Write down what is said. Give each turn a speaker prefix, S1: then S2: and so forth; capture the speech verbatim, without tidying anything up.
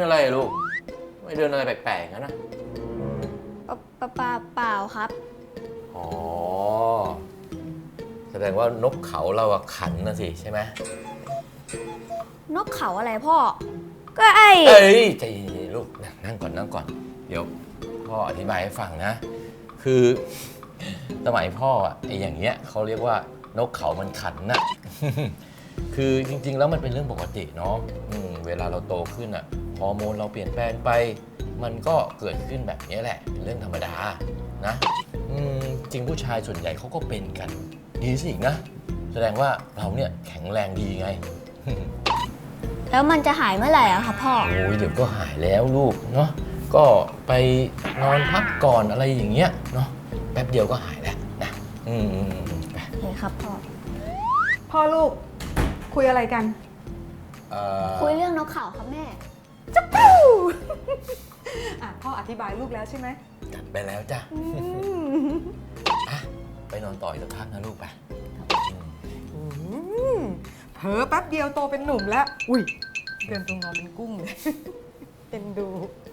S1: อะไรลูกไม่เดินอะไรแปลกๆงั้นนะ
S2: ปะปะปะเปล่าครับ
S1: อ๋อแสดงว่านกเขาเราอะขันนะสิใช่ไหม
S2: นกเขาอะไรพ่อก็ไอ
S1: เอ้ยใจเย็นๆลูกนั่งก่อนนั่งก่อนเดี๋ยวพ่ออธิบายให้ฟังนะคือสมัยพ่ออะไออย่างเงี้ยเขาเรียกว่านกเขามันขันน่ะ คือจริงๆแล้วมันเป็นเรื่องปกติเนาะเวลาเราโตขึ้นอะฮอร์โมนเราเปลี่ยนแปลงไปมันก็เกิดขึ้นแบบนี้แหละเป็นเรื่องธรรมดานะจริงผู้ชายส่วนใหญ่เขาก็เป็นกันดีสิอีกนะแสดงว่าเราเนี่ยแข็งแรงดีไง
S2: แล้วมันจะหายเมื่อไหร่อะครับพ่อ
S1: โอ้ยเดี๋ยวก็หายแล้วลูกเนาะก็ไปนอนพักก่อนอะไรอย่างเงี้ยเนาะแป๊บเดียวก็หายแล้วนะอืมไป
S2: โอเคครับพ่อ
S3: พ่อลูกคุยอะไรกัน
S2: คุยเรื่องนกเขาครับแม่
S3: จ๊ะปู้อ่ะพ่ออธิบายลูกแล้วใช่ไหม
S1: จัดไปแล้วจ้ะไปนอนต่ออีกสักพักนะลูกไป
S3: เผลอแป๊บเดียวโตเป็นหนุ่มแล้วอุ้ยเดินตรงนอนเป็นกุ้งเลยเป็นดู